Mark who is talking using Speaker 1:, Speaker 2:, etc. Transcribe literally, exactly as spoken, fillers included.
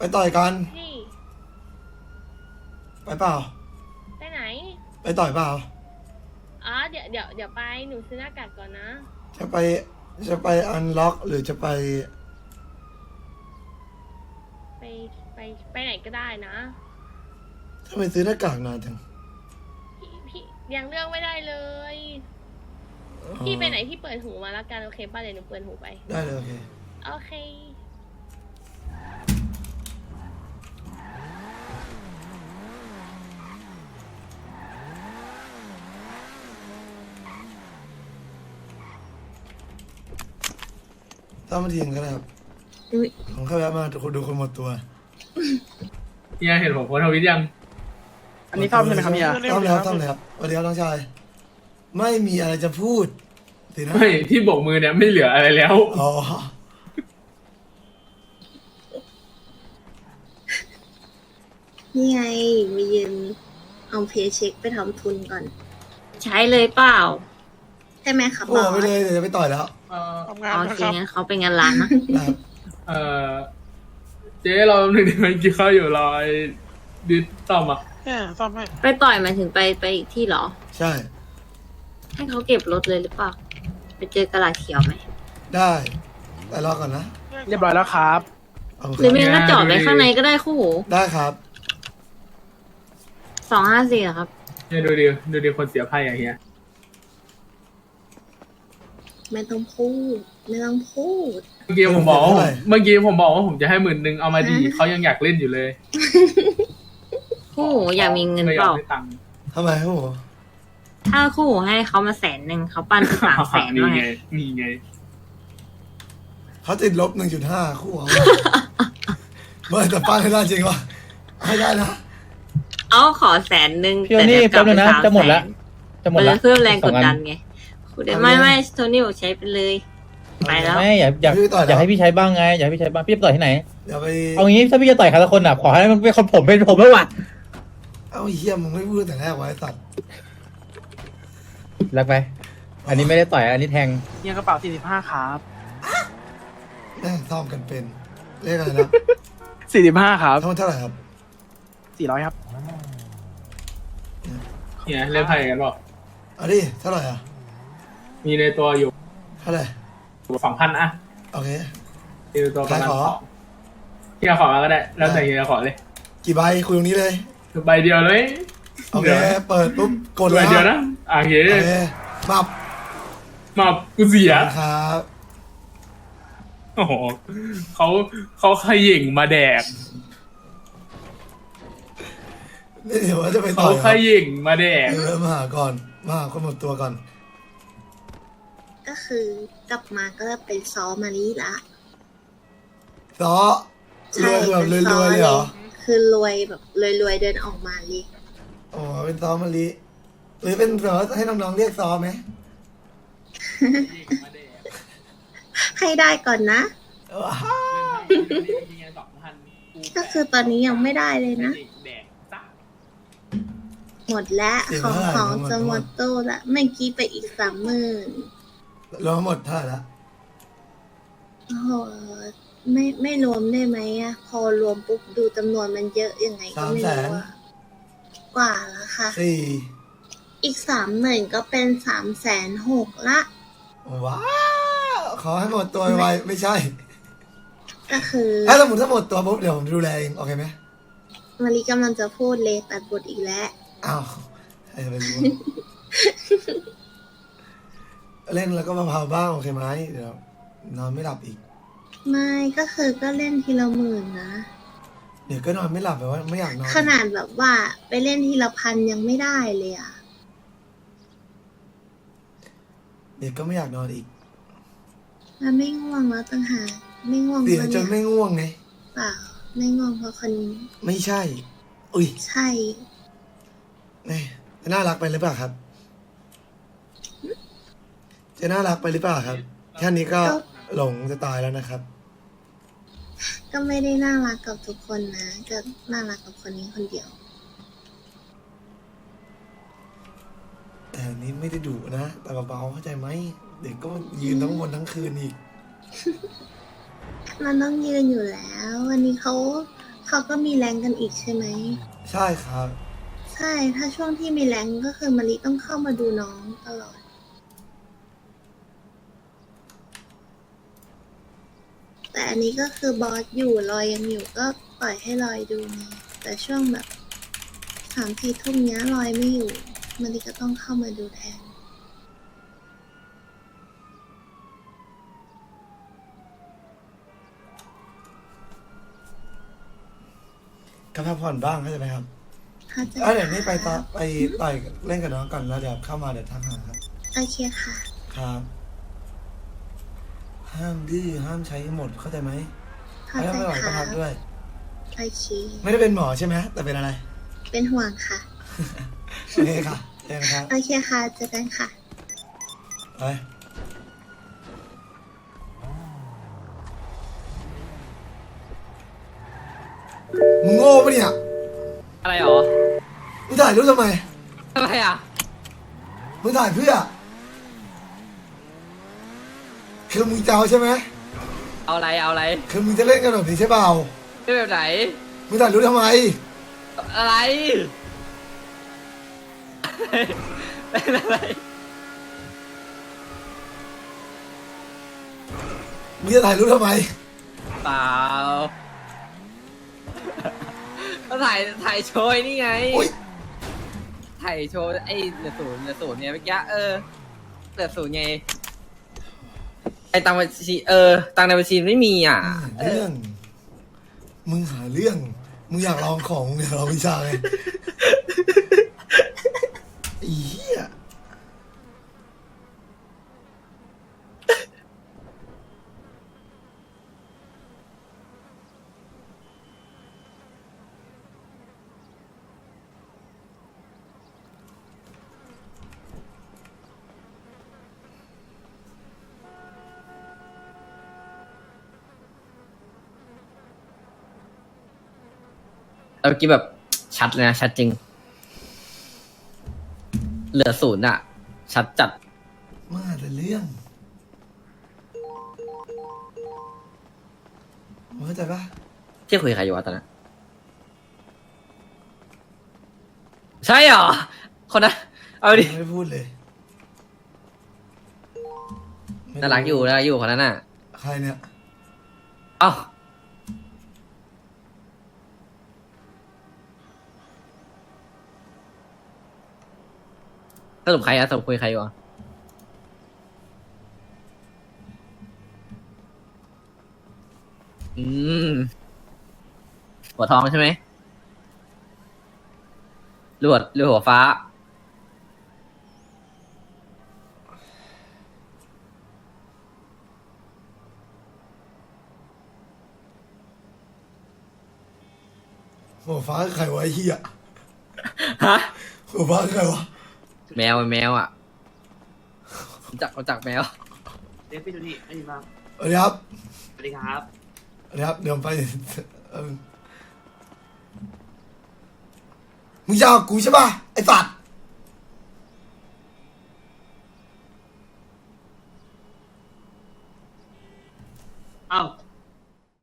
Speaker 1: ไปต่อยกัน
Speaker 2: พี่
Speaker 1: ไปเปล่า
Speaker 2: ไปไหน
Speaker 1: ไปต่อยเปล่า
Speaker 2: อ๋อเดี๋ยวเดี๋ยวเดี๋ยวไปหนูซื้อหน้ากากก่อนนะ
Speaker 1: จะไปจะไปอันล็อกหรือจะไป
Speaker 2: ไปไปไปไหนก็ได้นะ
Speaker 1: ทำไมซื้อหน้ากากนานจัง
Speaker 2: พี่พี่ยังเลือกไม่ได้เลย พี่ไปไหนพี่เปิดหูมาแล้วกันโอเคป่ะเดี๋ยวหนูเปิดหูไป
Speaker 1: ได้เลยโอเค
Speaker 2: โอเค
Speaker 1: ต้องมาทีนึงก็ได้ครับผมเข้าแวะมาดูคนดูคนหมดตัว
Speaker 3: เฮียเห็นผมโพสต์ทวิตยัง
Speaker 4: อันนี้ซ่อมใช่ไหมครับเฮีย
Speaker 1: ซ่อมแล้วซ่อมแล้วสวัสดีครับน้องชายไม่มีอะไรจะพูดสินะ
Speaker 3: ไม่ที่โบกมือเนี่ยไม่เหลืออะไรแล้ว
Speaker 1: อ๋อ
Speaker 5: นี่ไงมียืนเอาเพย์เช็คไปทำทุนก่อน
Speaker 6: ใช้เลยเปล่า
Speaker 5: ใช่ไหมครับ
Speaker 1: โอ้
Speaker 5: บอส
Speaker 1: ไปเลยเดี๋ยวจะไปต่อยแล้ว
Speaker 3: เออ
Speaker 4: ทำงาน
Speaker 6: อ๋อ
Speaker 4: นะ
Speaker 6: จริ
Speaker 4: ค
Speaker 6: ง
Speaker 4: รับ
Speaker 6: งั้นเขาเป็นงานร้านนะ
Speaker 1: นะครับ
Speaker 3: เออเจ๊เราหนึ่งดีไหมกินข้าวอยู่รอไอ้ดิสต่อมา
Speaker 4: เนี่ยซ่อมให้
Speaker 6: ไปต่อยหมายถึงไปไปอีกที่เหรอ
Speaker 1: ใช่
Speaker 6: ให้เขาเก็บรถเลยหรือเปล่า ไปเจอกระดาษเขียวไหม
Speaker 1: ได้แต่รอก่อนนะ
Speaker 4: เรียบร้อยแล้วครับ
Speaker 1: เอาค
Speaker 6: หรือไม่
Speaker 1: รับ
Speaker 6: งั้นก็จอดไว้ข้างในก็ได้คู่หู
Speaker 1: ได้ครับ
Speaker 6: สองห้าสี่ครับ
Speaker 3: เนี่ยดูดิดูดิคนเสียไพ่อย่างเฮีย
Speaker 5: ไม่ต้องพูด ไม่ต้องพูด
Speaker 3: เมื่อกี้ผมบอกว่าผมเมื่อกี้ผมบอกว่าผมจะให้หมื่นหนึ่งเอามาดี
Speaker 5: ฮะ
Speaker 3: เขายังอยากเล่นอยู่เลย
Speaker 6: คู่หูอยากมีเงิน
Speaker 3: ไม่ย
Speaker 6: เป
Speaker 3: อม
Speaker 6: ล่า
Speaker 3: ให้ตังค์
Speaker 1: ทำไมครับผม
Speaker 6: ถ้าคู่หูให้เขามาแสนหนึ่งเขาปั้นไปสามแสน
Speaker 3: นี่
Speaker 6: ว่าไง
Speaker 3: ไงนี่ไง
Speaker 1: เขาติดลบหนึ่งจุดห้าคู่เขาเมื่อแต่ป้าให้ได้จริงวะให้ได้นะ
Speaker 6: เอาขอแสนหนึ่ง
Speaker 7: พี่โทนี่
Speaker 6: เดี๋ยวกลับ
Speaker 7: แป๊บนึงนะ
Speaker 6: ไปสาม
Speaker 7: จะหมดละ
Speaker 6: แสน
Speaker 7: จะหม
Speaker 6: เอ
Speaker 7: ด
Speaker 6: อ
Speaker 7: ละ
Speaker 6: เพิ่มแรงกด
Speaker 7: สอ
Speaker 6: ดั
Speaker 7: อั
Speaker 6: นไงคุณเดี๋ยวไม่ไม่โทนี่บอกใช้ไปเลย ไปแล้ว
Speaker 7: ไม่อยากอยาก
Speaker 1: พี่ไปต่อย
Speaker 7: อยากให้
Speaker 1: แล้ว
Speaker 7: พี่ใช้บ้างไงอยากให้พี่ใช้บ้างพี่จะต่อยที่ไหน
Speaker 1: เดี๋ยวไป
Speaker 7: เอางี้ถ้าพี่จะต่อยใครสักคนอ่ะขอให้มันเป็นคนผมเป็นผมไม่หวัด
Speaker 1: เอาเฮียมึงไม่พูดแต่แรกไว้สัตว์
Speaker 7: รักไป อันนี้ไม่ได้ต่อยอันนี้แทง
Speaker 4: เฮียกระเป๋าสี่สิบห้าครับ
Speaker 1: แม่งซ่อมกันเป็นเลขอะไรนะ
Speaker 4: สี่สิบห้าครับ
Speaker 1: ทั้งหมดเท่าไหร่ครับ
Speaker 4: สี่ร้อยครับ
Speaker 3: เฮียเล่นไพ่กันเปล่า
Speaker 1: เอาดิเท่าไหร่อ่ะ
Speaker 3: มีในตัวอยู่
Speaker 1: เท่าไหร่
Speaker 3: สองพันอะ
Speaker 1: โอเค
Speaker 3: มีในตัวประมาณ
Speaker 1: ใครขอ
Speaker 3: สองเฮียขอมาก็ได้ แล้วแต่เฮียขอเลย
Speaker 1: กี่ใบคุยตรงนี้เลย
Speaker 3: คือใบเดียวเลย
Speaker 1: โอเคเปิดปุ๊บกด
Speaker 3: ใบ
Speaker 1: เลย
Speaker 3: เดียวนะอ่ะเฮีย
Speaker 1: โอเคมับ
Speaker 3: มากูเสีย
Speaker 1: ครับ
Speaker 3: โอ้โหเขาเขาขย่งมาแดก
Speaker 1: นี่เดี๋ยวว่าจะไปต่
Speaker 3: เขา
Speaker 1: อย
Speaker 3: ขย่งมาแดก
Speaker 1: เออมาหาก่อนมาหาคนหมดตัวก่อน
Speaker 5: ก็คือกลับมาก็ไปซ้อมมาลีละ
Speaker 1: ซอรวยคือแบบรวยๆเลยเหรอ
Speaker 5: คือรวยแบบรวยๆเดินออกมาเลย
Speaker 1: อ๋อเป็นซอมะลิหรือเป็นแบบว่าให้น้องๆเรียกซอไหม
Speaker 5: ให้ได้ก่อนนะ
Speaker 1: ว้าว
Speaker 5: ก็คือตอนนี้ยังไม่ได้เลยนะ หมดแล้วของของจะหมดตู้ละเมื่อกี้ไปอีกสามหมื่น
Speaker 1: รวมหมดเท่าไหร่ละ
Speaker 5: โอ้โหไม่ไม่รวมได้ไหมอะพอรวมปุ๊บดูจำนวนมันเยอะยังไงก็ไม่รู้อะกว่าแล้วค่ะ
Speaker 1: สี่
Speaker 5: อีกสามหมื่นก็เป็นสามแสนหกละ
Speaker 1: ว้าวขอให้หมดตัวไวๆไม่ใช่
Speaker 5: ก็คือ
Speaker 1: ถ้าสมมติถ้าหมดตัวปุ๊บเดี๋ยวผมดูแลเองโอเคไหม
Speaker 5: มารีกำลังจะพูดเลยตัดบทอีกแล้ว
Speaker 1: อ้าวใครจะไปรู้ เล่นแล้วก็มาพาบ้างโอเคไหมเดี๋ยวนอนไม่หลับอีก
Speaker 5: ไม่ก็คือก็เล่นทีละหมื่นนะ
Speaker 1: เดี๋ยวก็นอนไม่หลับแบบว่าไม่อยากนอน
Speaker 5: ขนาดแบบว่าไปเล่นทีละพันยังไม่ได้เลยอะ
Speaker 1: เดี๋ยวก็ไม่อยากนอนอีก
Speaker 5: มันไม่ง่วงแล้วต่างหากไม่ง่วง
Speaker 1: เดี๋ยว
Speaker 5: เพราะ
Speaker 1: จน
Speaker 5: เนี่ย
Speaker 1: ไม่ง่วงไง
Speaker 5: เปล่าไม่ง่วงเพราะคนนี้
Speaker 1: ไม่ใช่ อุ้ย
Speaker 5: ใช่
Speaker 1: นี่จะน่ารักไปหรือเปล่าครับ จะน่ารักไปหรือเปล่าครับแค่นี้ก็หลงจะตายแล้วนะครับ
Speaker 5: ก็ไม่ได้น่ารักกับทุกคนนะก็น่ารักกับคนนี้คนเดียว
Speaker 1: แต่อันนี้ไม่ได้ดุนะ แต่เบาๆเข้าใจไหม เด็กก็ยืนทั้งวันทั้งคืนอีก
Speaker 5: มันต้องยืนอยู่แล้ว วันนี้เขาเขาก็มีแรงกันอีกใช่ไหม
Speaker 1: ใช่ครับ
Speaker 5: ใช่ถ้าช่วงที่มีแรงก็คือมาริต้องเข้ามาดูน้องตลอด แต่อันนี้ก็คือบอสอยู่ลอยยังอยู่ก็ปล่อยให้ลอยดูไงแต่ช่วงแบบสามสี่ทุ่มเนี้ยลอยไม่อยู่มาริก็ต้องเข้ามาดูแทน
Speaker 1: ก็พักผ่อนบ้างเข้าใจไหมครับ
Speaker 5: เข้าใจ
Speaker 1: อ่ะเดี๋ยวนี้ไปต่อ
Speaker 5: ค่ะ
Speaker 1: ไปต่อยเล่นกับน้องก่อนแล้วเดี๋ยวเข้ามาเดี๋ยวทักหาครับ
Speaker 5: โอเคค่ะ
Speaker 1: ครับ ห้ามดื้อห้ามใช้หมดเข้าใจไหม
Speaker 5: เข้า
Speaker 1: ถ้า
Speaker 5: ใจ
Speaker 1: ไม่ไหวก็
Speaker 5: ค่ะ
Speaker 1: พักด้วย
Speaker 5: โอเค
Speaker 1: ไม่ได้เป็นหมอใช่ไหมแต่เป็นอะไร
Speaker 5: เป็นห่วงค่ะ
Speaker 1: โอเคค่ะเจอกันครับ
Speaker 5: โอเคค่ะเจอกันค่ะ
Speaker 1: ไปมึงโง่ปะเนี่ย
Speaker 8: อะไรหรอ
Speaker 1: มึงถ่ายรูปทำไม
Speaker 8: อะไรอ่ะ
Speaker 1: มึงถ่ายเพื่อ คือมึงจะเอาใช่ไหม
Speaker 8: เอาอะไร เอาอะไร
Speaker 1: คือมึงจะเล่นกันแบบนี้ใช่เปล่า
Speaker 8: เป็นแบบไหน
Speaker 1: มึงถ่ายรูปทำไม
Speaker 8: อะไร เป็นอะไร
Speaker 1: มึงจะถ่ายรูปทำไม
Speaker 8: เปล่าก็ถ่าย ถ่ายโชว์ไอ้นี่ไง
Speaker 1: อุ๊ย
Speaker 8: ถ่ายโชว์ไอ้เหลือศูนย์เหลือศูนย์เนี่ยเมื่อกี้เออเหลือศูนย์ไง ไอ้ตังค์บัญชีเออ ตังค์ในบัญชีไม่มีอ่ะ
Speaker 1: เรื่อง มึงหาเรื่อง มึงอยากลองของเนี่ยเราวิชาไงไอ้เหี้ย
Speaker 8: เมื่อกี้แบบชัดเลยนะชัดจริง เหลือศูนย์อ่ะ ชัดจัด
Speaker 1: มาแต่เรื่องมึงเข้าใจปะ
Speaker 8: ที่คุยกับใครอยู่วะตอนนั้นใช่เหรอ คนนั้นเอาดิ
Speaker 1: ไม่พูดเลยไม่
Speaker 8: น่ารักอยู่น่ารักอยู่คนนั้นน่ะ
Speaker 1: ใครเนี่ย
Speaker 8: เอ้าสรุปใครอะสรุปคุยกับใครอยู่อะอืมหัวทองใช่ไหมหรือหัวหรือหัวฟ้า
Speaker 1: หัวฟ้าคือใครวะไอ้เหี้ย
Speaker 8: ฮะ
Speaker 1: หัวฟ้าคือใครวะ
Speaker 8: แมวแมวอ่ะรู้จักรู้จักแมว
Speaker 9: เรียกพี่ดูนี่ไม่ดีมาก
Speaker 1: สวัสดีครับ
Speaker 9: สวัสดีครับ
Speaker 1: สวัสดีครับ เดี๋ยวไปเออมึงจะเอากูใช่ป่ะ ไอ้สัตว์
Speaker 9: อ้าว